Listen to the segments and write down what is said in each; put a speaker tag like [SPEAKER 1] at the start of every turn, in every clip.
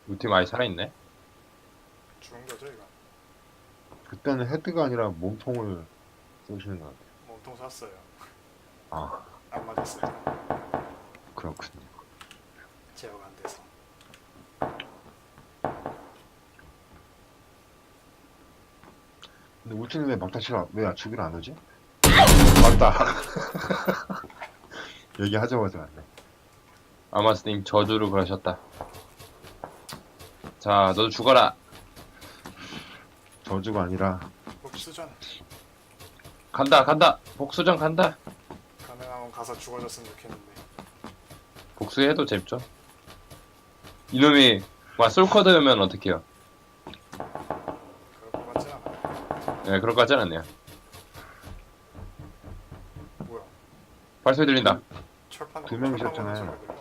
[SPEAKER 1] 우리 팀 아예 살아있네.
[SPEAKER 2] 죽은 거죠 이거?
[SPEAKER 3] 그때는 헤드가 아니라 몸통을 쏘시는 것 같아요.
[SPEAKER 2] 몸통 쐈어요.
[SPEAKER 3] 아,
[SPEAKER 2] 안 맞았어요.
[SPEAKER 3] 그렇군요.
[SPEAKER 2] 제어가 안 돼서.
[SPEAKER 3] 근데 울티는 왜 막타치를 왜 죽이러 안 오지? 맞다. 얘기하자마자 왔네.
[SPEAKER 1] 아마스님 저주를 그러셨다. 자, 너도 죽어라.
[SPEAKER 3] 저주가 아니라
[SPEAKER 2] 복수전
[SPEAKER 1] 간다, 간다. 복수전 간다.
[SPEAKER 2] 가능하면 가서 죽어줬으면 좋겠는데.
[SPEAKER 1] 복수해도 재밌죠. 이놈이 막 솔커드면 어떡해요?
[SPEAKER 2] 그럴 것 같진 않아.
[SPEAKER 1] 네, 그럴 것 같진 않네요.
[SPEAKER 2] 뭐야?
[SPEAKER 1] 발소리 들린다.
[SPEAKER 2] 철판
[SPEAKER 3] 두명
[SPEAKER 2] 철판
[SPEAKER 3] 있었잖아요.
[SPEAKER 2] 거는 소리가 들려.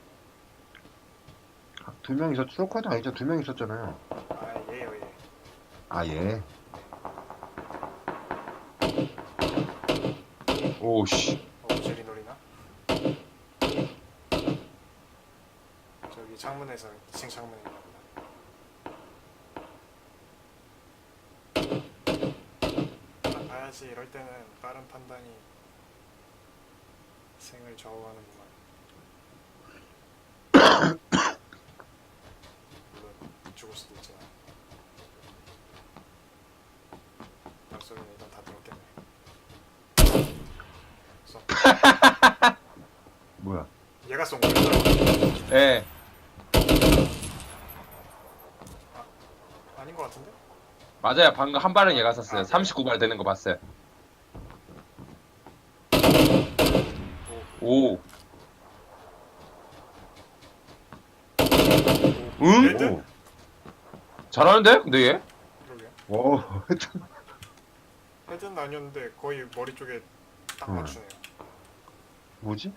[SPEAKER 3] 두 명 있었, 트로커도 아니죠? 두 명 있었잖아요.
[SPEAKER 2] 아 얘요 얘.
[SPEAKER 3] 아, 예.
[SPEAKER 1] 오씨.
[SPEAKER 2] 오젤이 노리나? 저기 창문에서 2층 창문에 있나 보다. 봐야지. 이럴 때는 빠른 판단이 생을 좌우하는구만. 물론 죽을 수도 있지만. 박소리는 일단 다 들었겠네. 써.
[SPEAKER 3] 뭐야?
[SPEAKER 2] 얘가 쏜 거야?
[SPEAKER 1] 예.
[SPEAKER 2] 아닌 것 같은데?
[SPEAKER 1] 맞아요. 방금 한 발은 얘가 쐈어요. 39발 되는 거 봤어요. 오. 응?
[SPEAKER 2] 레드?
[SPEAKER 3] 오,
[SPEAKER 1] 잘하는데? 근데 얘?
[SPEAKER 2] 그러게.
[SPEAKER 3] 오,
[SPEAKER 2] 헤드는 아니었는데 거의 머리 쪽에 딱
[SPEAKER 3] 음.
[SPEAKER 2] 맞추네요.
[SPEAKER 3] 뭐지?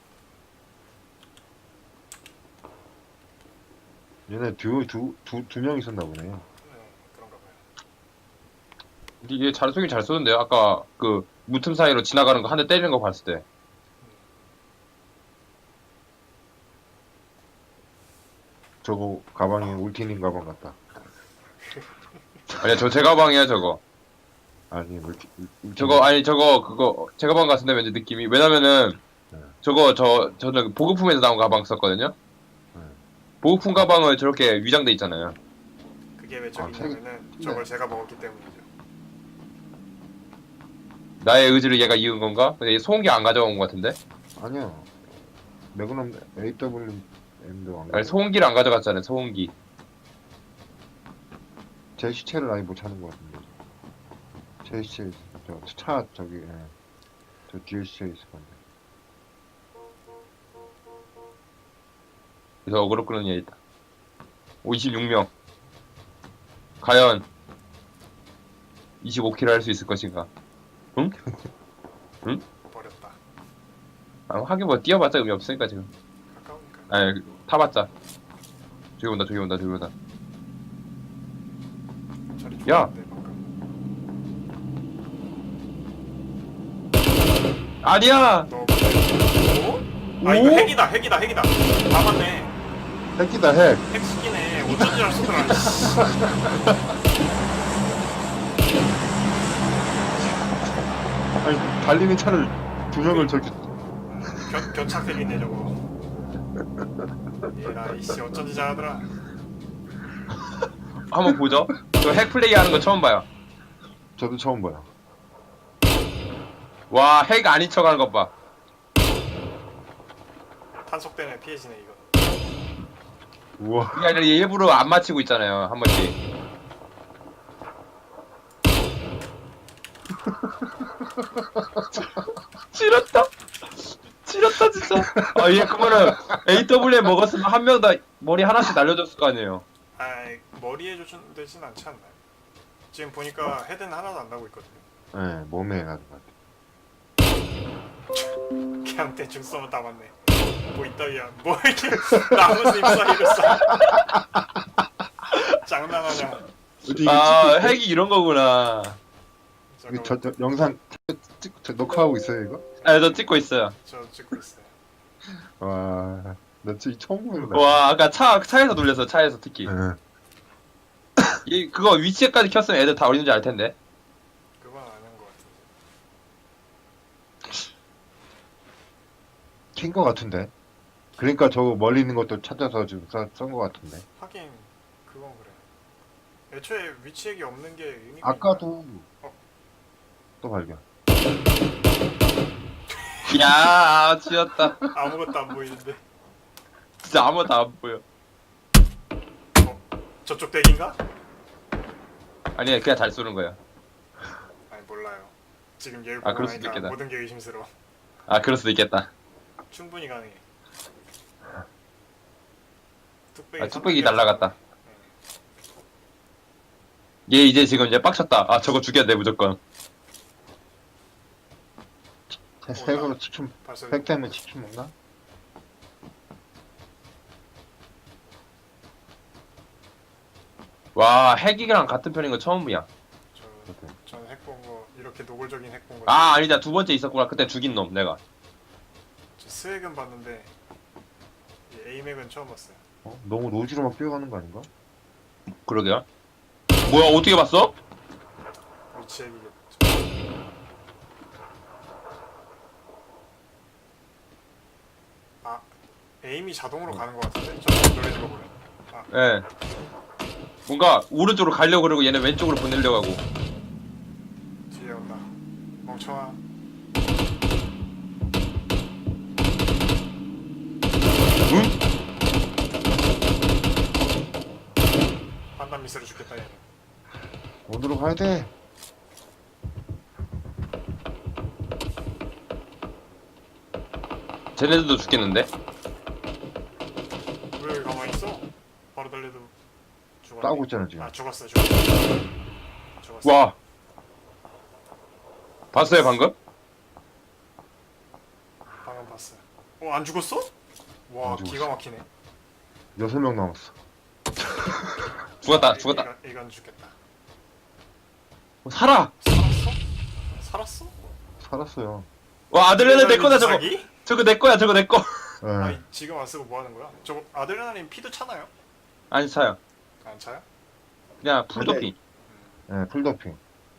[SPEAKER 3] 얘네 두 명 있었나 보네.
[SPEAKER 2] 네, 그런가 봐요.
[SPEAKER 1] 근데 얘 잘 쏘긴 잘 쏘는데요. 아까 그 무틈 사이로 지나가는 거 한 대 때리는 거 봤을 때.
[SPEAKER 3] 저거 가방이 울티님 가방 같다.
[SPEAKER 1] 아니야, 저 제 가방이야, 저거.
[SPEAKER 3] 아니,
[SPEAKER 1] 저거, 아니, 저거, 그거, 제 가방 같은데, 왠지 느낌이. 왜냐면은,
[SPEAKER 3] 네.
[SPEAKER 1] 저거, 저는 보급품에서 나온 가방 썼거든요?
[SPEAKER 3] 네.
[SPEAKER 1] 보급품 가방을 저렇게 위장돼 있잖아요.
[SPEAKER 2] 그게 왜
[SPEAKER 3] 아,
[SPEAKER 2] 저기냐면은 저걸 제가 먹었기 때문이죠.
[SPEAKER 1] 나의 의지를 얘가 이은 건가? 근데 얘 소음기 안 가져온 것 같은데?
[SPEAKER 3] 아니야. 매그넘 AWM도 안
[SPEAKER 1] 아니,
[SPEAKER 3] 가고
[SPEAKER 1] 소음기를 안 가져갔잖아요, 소음기.
[SPEAKER 3] 제 시체를 아예 못 찾는 것 같은데. 제 시체 차 저기 예. 저 뒤에 시체 있을 건데.
[SPEAKER 1] 그래서 어그로 끄는 얘 있다. 26명. 과연, 25킬 할 수 있을 것인가? 응? 응?
[SPEAKER 2] 버렸다.
[SPEAKER 1] 아, 하긴 뭐, 뛰어봤자 의미 없으니까, 지금.
[SPEAKER 2] 가까우니까.
[SPEAKER 1] 아니, 타봤자. 저기 온다, 저기 온다, 저기 온다.
[SPEAKER 2] 자리
[SPEAKER 1] 야!
[SPEAKER 2] 좋았는데 방금.
[SPEAKER 1] 아니야!
[SPEAKER 2] 너 오? 아 이거
[SPEAKER 1] 오?
[SPEAKER 2] 핵이다 핵이다 핵이다. 다 맞네.
[SPEAKER 3] 핵이다 핵.
[SPEAKER 2] 핵 시키네. 어쩐지 알 수더라.
[SPEAKER 3] 아니 달리는 차를 두 명을 저기
[SPEAKER 2] 견착 핵이네 저거. 얘라 이씨 어쩐지 잘하더라.
[SPEAKER 1] 한번 보죠. 저 핵 플레이 하는 거 처음 봐요.
[SPEAKER 3] 저도 처음 봐요.
[SPEAKER 1] 와, 핵 아닌 척 하는 것 봐.
[SPEAKER 2] 탄속 때문에 피해지네 이거.
[SPEAKER 3] 우와.
[SPEAKER 1] 그게 아니라 얘 일부러 안 맞히고 있잖아요, 한 번씩. 지렸다. 지렸다, 진짜. 아, 얘 그러면은 AWM 먹었으면 한 명 다 머리 하나씩 날려줬을 거 아니에요.
[SPEAKER 2] 아 머리에 조준되진 않지 않나요? 지금 보니까 헤드는 하나도 안 나고 있거든요.
[SPEAKER 3] 네, 몸에 가는 것 같아.
[SPEAKER 2] 그냥 대충 쏘면 다 맞네. 뭐 있다위야. 뭐 이렇게 나무님 사이를 쏴. 장난하냐.
[SPEAKER 1] 아, 핵이 이런 거구나.
[SPEAKER 3] 이거 저 영상 녹화하고 있어요 이거?
[SPEAKER 1] 아, 저 찍고 있어요.
[SPEAKER 2] 저 찍고 있어요.
[SPEAKER 3] 와. 나 진짜 처음 보는 거야.
[SPEAKER 1] 와 아까 차에서 놀렸어 차에서 특히.
[SPEAKER 3] 예.
[SPEAKER 1] 그거 위치에까지 켰으면 애들 다 어디 있는지 알 텐데.
[SPEAKER 2] 그건 아는 것 같은데.
[SPEAKER 3] 킨 거 같은데. 그러니까 저거 멀리 있는 것도 찾아서 지금 쏜거 같은데.
[SPEAKER 2] 하긴 그건 그래. 애초에 위치 얘기 없는 게 의미가 있나?
[SPEAKER 3] 아까도
[SPEAKER 2] 어.
[SPEAKER 3] 또 발견.
[SPEAKER 1] 야 지었다.
[SPEAKER 2] 아무것도 안 보이는데.
[SPEAKER 1] 진짜 아무것도 안 보여.
[SPEAKER 2] 저쪽 댁인가?
[SPEAKER 1] 아니야 그냥 잘 쏘는 거야.
[SPEAKER 2] 아니 몰라요. 지금 얘를
[SPEAKER 1] 아,
[SPEAKER 2] 보고
[SPEAKER 1] 그럴 수도
[SPEAKER 2] 나니까
[SPEAKER 1] 있겠다.
[SPEAKER 2] 모든 게 의심스러워.
[SPEAKER 1] 아 그럴 수도 있겠다.
[SPEAKER 2] 충분히 가능해.
[SPEAKER 1] 아 뚝배기 날라갔다. 얘 이제 지금 이제 빡쳤다. 아 저거 죽여야 돼 무조건.
[SPEAKER 3] 색으로 치킨,
[SPEAKER 2] 벌써
[SPEAKER 3] 색 때문에 치킨 먹나?
[SPEAKER 1] 와 핵이랑 같은 편인 거 처음이야.
[SPEAKER 2] 저는 핵 본 거 이렇게 노골적인 핵 본 거.
[SPEAKER 1] 아 아니다 두 번째 있었구나. 그때 죽인 놈 내가.
[SPEAKER 2] 저 스웩은 봤는데 이 에이맥은 처음 봤어요.
[SPEAKER 3] 어? 너무 노지로만 뛰어가는 거 아닌가?
[SPEAKER 1] 그러게요. 뭐야 어떻게 봤어?
[SPEAKER 2] 위치 얘기겠죠. 아 에임이 자동으로 가는 거 같은데? 저 노래는 거 보면.
[SPEAKER 1] 예. 뭔가 오른쪽으로 가려고 그러고 얘네 왼쪽으로 보내려고 하고.
[SPEAKER 2] 뒤에 온다. 멍청아.
[SPEAKER 1] 응?
[SPEAKER 2] 판단 미스로 죽겠다 얘는.
[SPEAKER 3] 어디로 가야 돼?
[SPEAKER 1] 쟤네들도 죽겠는데?
[SPEAKER 2] 왜 여기 가만히 있어? 바로 달려도 죽었네.
[SPEAKER 3] 싸우고 있잖아 지금.
[SPEAKER 2] 아 죽었어. 죽었어.
[SPEAKER 1] 와. 봤어요 방금?
[SPEAKER 2] 방금 봤어. 안 죽었어? 와
[SPEAKER 3] 안 죽었어.
[SPEAKER 2] 기가 막히네.
[SPEAKER 3] 6명 남았어.
[SPEAKER 1] 죽었다 죽었다.
[SPEAKER 2] 이건 죽겠다.
[SPEAKER 1] 살아!
[SPEAKER 2] 살았어? 살았어?
[SPEAKER 3] 살았어요.
[SPEAKER 1] 와 아들레나 내 거다 저거.
[SPEAKER 2] 자기?
[SPEAKER 1] 저거 내 거야 저거 내 거.
[SPEAKER 3] 예.
[SPEAKER 2] 아니 지금 안 쓰고 뭐 하는 거야? 저거 아드레날린 피도 차나요?
[SPEAKER 1] 아니 차요.
[SPEAKER 2] 안 차요?
[SPEAKER 1] 그냥 풀도핑.
[SPEAKER 3] 예, 풀더핑.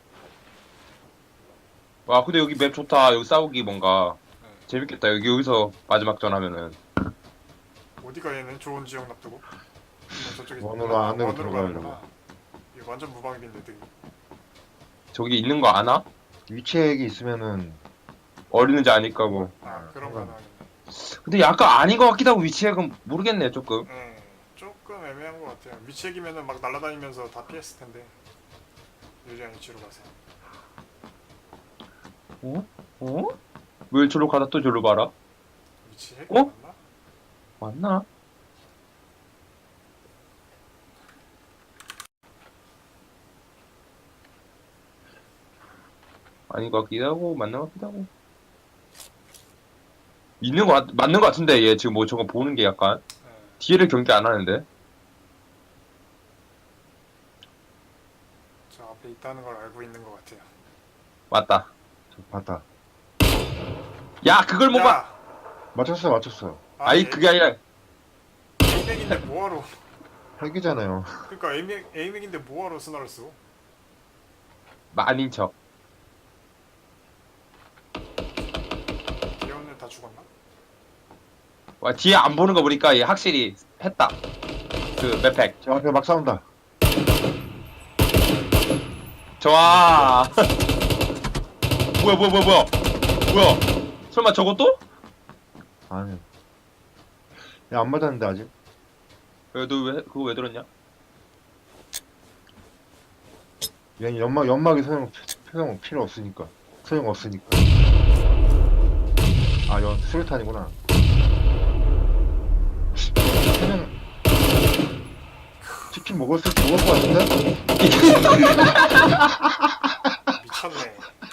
[SPEAKER 1] 와 근데 여기 맵 좋다. 여기 싸우기 뭔가
[SPEAKER 2] 네.
[SPEAKER 1] 재밌겠다. 여기서 마지막 전 하면은.
[SPEAKER 2] 어디가 얘는 좋은 지역 놔두고? 저쪽에
[SPEAKER 3] 원으로 안으로
[SPEAKER 2] 원으로
[SPEAKER 3] 들어가려고.
[SPEAKER 2] 가는구나. 이거 완전 무방비인데 되게.
[SPEAKER 1] 저기 있는 거 아나?
[SPEAKER 3] 위치액이 있으면은
[SPEAKER 1] 어리는지 아니까 뭐.
[SPEAKER 2] 아 그런 거 하겠네.
[SPEAKER 1] 근데 약간 아닌 것 같기도 하고 위치액은 모르겠네 조금.
[SPEAKER 2] 네, 조금 애매한 것 같아요. 위치액이면은 막 날아다니면서 다 피했을 텐데. 유리한 위치로 가세요.
[SPEAKER 1] 어? 어? 왜 저로 가다 또 저로 봐라?
[SPEAKER 2] 위치 핵
[SPEAKER 1] 어?
[SPEAKER 2] 맞나?
[SPEAKER 1] 맞나? 아닌 것 같기도 하고 맞는 것 같기도 하고 있는 거 맞는 것 같은데 얘 지금 뭐 저거 보는 게 약간
[SPEAKER 2] 네.
[SPEAKER 1] 뒤를 경계 안 하는데
[SPEAKER 2] 저 앞에 있다는 걸 알고 있는 것 같아요.
[SPEAKER 1] 맞다.
[SPEAKER 3] 저 봤다.
[SPEAKER 1] 야 그걸 못 봐.
[SPEAKER 2] 야!
[SPEAKER 3] 맞췄어.
[SPEAKER 1] 아니 그게 아니라
[SPEAKER 2] 에이맥인데 뭐하러?
[SPEAKER 3] 핵이잖아요.
[SPEAKER 2] 그러니까 에이맥인데 뭐하러 스나를 써?
[SPEAKER 1] 아닌 척.
[SPEAKER 2] 귀여운 다 죽었나?
[SPEAKER 1] 와 뒤에 안 보는 거 보니까 얘 확실히 했다. 그 맵팩.
[SPEAKER 3] 저 앞에 막 싸운다.
[SPEAKER 1] 좋아. 뭐야. 설마 저것도?
[SPEAKER 3] 아니. 야, 안 맞았는데 아직.
[SPEAKER 1] 너 그거 왜 들었냐?
[SPEAKER 3] 얘 연막이 소용 필요 없으니까. 소용 없으니까. 아, 수류탄이구나. 그냥 치킨 먹을 것 같은데?
[SPEAKER 2] 미쳤네.